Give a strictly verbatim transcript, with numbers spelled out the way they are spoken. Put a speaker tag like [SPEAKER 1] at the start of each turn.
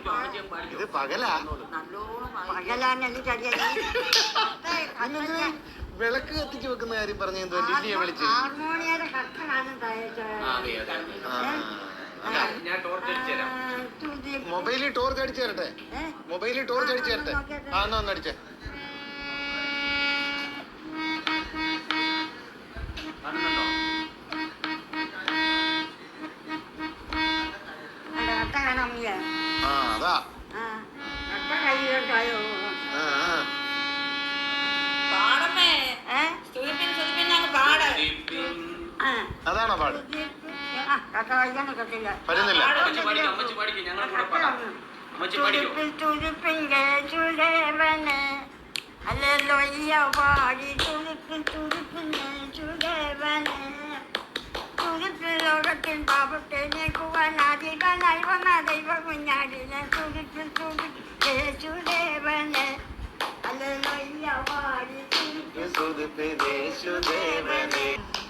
[SPEAKER 1] ഇത് പകലാ വിളക്ക് കത്തിച്ച് വെക്കുന്ന കാര്യം പറഞ്ഞു എന്തോ ലില്ലിയെ വിളിച്ച് മൊബൈലിൽ ടോർച്ച് അടിച്ചു തരട്ടെ മൊബൈലിൽ ടോർച്ച് അടിച്ചു തരട്ടെ ആ എന്നാ ഒന്ന് അടിച്ചേ ആ അതാ അതാണോ പാട് പറ്റുന്നില്ല
[SPEAKER 2] ലോകത്തിൽ പാപത്തെ നീക്കുവാൻ ആദികളായി വന്ന ദൈവ കുഞ്ഞാടിനെ തുടിപ്പിൽ തുടിപ്പേ യേശുദേവനെ ഹല്ലേലൂയ പാടി തുടിപ്പിൽ തുടിപ്പേ യേശുദേവനെ.